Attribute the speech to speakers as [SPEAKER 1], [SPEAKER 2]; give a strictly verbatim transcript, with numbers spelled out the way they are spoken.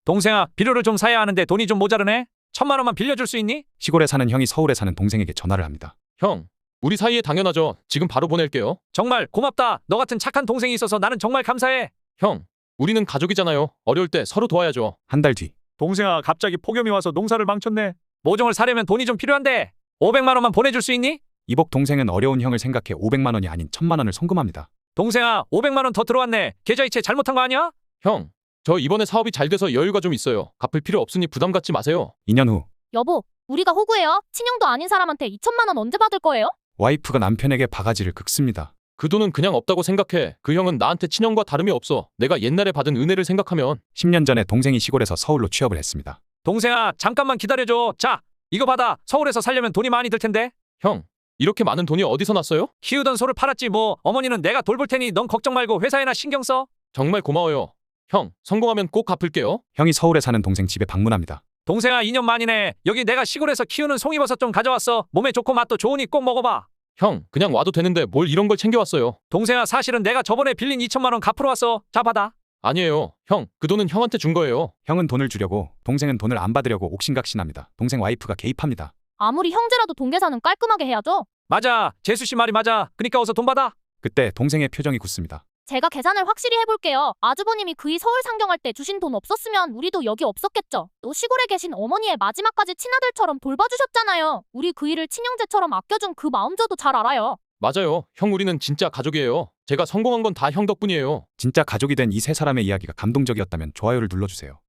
[SPEAKER 1] 동생아, 비료를 좀 사야 하는데 돈이 좀 모자르네. 천만 원만 빌려줄 수 있니?
[SPEAKER 2] 시골에 사는 형이 서울에 사는 동생에게 전화를 합니다.
[SPEAKER 3] 형, 우리 사이에 당연하죠. 지금 바로 보낼게요.
[SPEAKER 1] 정말 고맙다. 너 같은 착한 동생이 있어서 나는 정말 감사해.
[SPEAKER 3] 형, 우리는 가족이잖아요. 어려울 때 서로 도와야죠.
[SPEAKER 2] 한 달 뒤,
[SPEAKER 1] 동생아, 갑자기 폭염이 와서 농사를 망쳤네. 모종을 사려면 돈이 좀 필요한데 오백만 원만 보내줄 수 있니?
[SPEAKER 2] 이복 동생은 어려운 형을 생각해 오백만 원이 아닌 천만 원을 송금합니다.
[SPEAKER 1] 동생아, 오백만 원 더 들어왔네. 계좌이체 잘못한 거 아니야?
[SPEAKER 3] 형, 저 이번에 사업이 잘 돼서 여유가 좀 있어요. 갚을 필요 없으니 부담 갖지 마세요.
[SPEAKER 2] 이 년 후,
[SPEAKER 4] 여보, 우리가 호구예요. 친형도 아닌 사람한테 이천만 원 언제 받을 거예요?
[SPEAKER 2] 와이프가 남편에게 바가지를 긁습니다.
[SPEAKER 3] 그 돈은 그냥 없다고 생각해. 그 형은 나한테 친형과 다름이 없어. 내가 옛날에 받은 은혜를 생각하면.
[SPEAKER 2] 십 년 전에 동생이 시골에서 서울로 취업을 했습니다.
[SPEAKER 1] 동생아, 잠깐만 기다려줘. 자, 이거 받아. 서울에서 살려면 돈이 많이 들 텐데.
[SPEAKER 3] 형, 이렇게 많은 돈이 어디서 났어요?
[SPEAKER 1] 키우던 소를 팔았지 뭐. 어머니는 내가 돌볼 테니 넌 걱정 말고 회사에나 신경 써.
[SPEAKER 3] 정말 고마워요. 형, 성공하면 꼭 갚을게요.
[SPEAKER 2] 형이 서울에 사는 동생 집에 방문합니다.
[SPEAKER 1] 동생아, 이 년 만이네. 여기 내가 시골에서 키우는 송이버섯 좀 가져왔어. 몸에 좋고 맛도 좋으니 꼭 먹어봐.
[SPEAKER 3] 형, 그냥 와도 되는데 뭘 이런 걸 챙겨왔어요.
[SPEAKER 1] 동생아, 사실은 내가 저번에 빌린 이천만 원 갚으러 왔어. 자, 받아.
[SPEAKER 3] 아니에요. 형, 그 돈은 형한테 준 거예요.
[SPEAKER 2] 형은 돈을 주려고, 동생은 돈을 안 받으려고 옥신각신합니다. 동생 와이프가 개입합니다.
[SPEAKER 4] 아무리 형제라도 동계사는 깔끔하게 해야죠.
[SPEAKER 1] 맞아. 재수 씨 말이 맞아. 그니까 어서 돈 받아.
[SPEAKER 2] 그때 동생의 표정이 굳습니다.
[SPEAKER 4] 제가 계산을 확실히 해볼게요. 아주버님이 그이 서울 상경할 때 주신 돈 없었으면 우리도 여기 없었겠죠. 또 시골에 계신 어머니의 마지막까지 친아들처럼 돌봐주셨잖아요. 우리 그이를 친형제처럼 아껴준 그 마음 저도 잘 알아요.
[SPEAKER 3] 맞아요. 형, 우리는 진짜 가족이에요. 제가 성공한 건 다 형 덕분이에요.
[SPEAKER 2] 진짜 가족이 된 이 세 사람의 이야기가 감동적이었다면 좋아요를 눌러주세요.